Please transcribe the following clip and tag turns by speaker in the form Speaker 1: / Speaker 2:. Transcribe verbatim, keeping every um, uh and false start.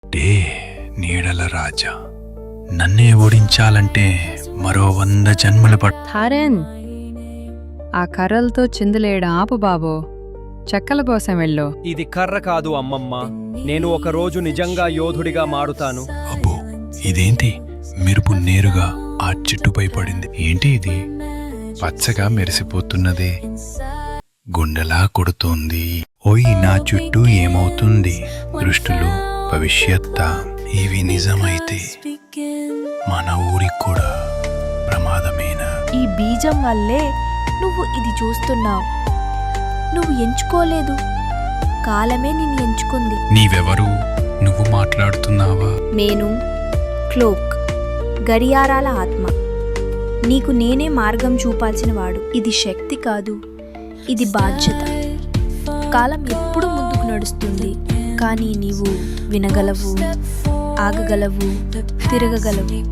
Speaker 1: Day నీడల రాజా, నన్నే ఓడించాలంటే మరో వంద జన్మలు పట్
Speaker 2: థారెన్, ఆ కర్రలతో చిందులేయడం ఆపు బాబో, చెక్కల కోసం వెళ్ళు.
Speaker 3: ఇది కర్ర కాదు అమ్మమ్మ, నేను ఒక రోజు నిజంగా యోధుడిగా మారుతాను.
Speaker 1: అబ్బో, ఇదేంటి మెరుపు నేరుగా ఆ చెట్టుపై పడింది. ఏంటి ఇది పచ్చగా మెరిసిపోతున్నదే, గుండెలా కొడుతోంది. ఓయ్, నా చుట్టూ ఏమవుతుంది? దృష్టులు, భవిష్యత్త, ఇవి నిజమైతే మన ఊరికి కూడా ప్రమాదమేనా?
Speaker 4: ఈ బీజం వల్లే నువ్వు ఇది చూస్తున్నావు. నువ్వు ఎంచుకోలేదు, కాలమే నిన్ను ఎంచుకుంది.
Speaker 1: నీవెవరు? నువ్వు మాట్లాడుతున్నావా?
Speaker 4: నేను క్లోక్, గడియారాల ఆత్మ. నీకు నేనే మార్గం చూపాల్సిన వాడు. ఇది శక్తి కాదు, ఇది బాధ్యత. కాలం ఎప్పుడు ముందుకు నడుస్తుంది, కానీ నీవు వినగలవు, ఆగగలవు, తిరగగలవు.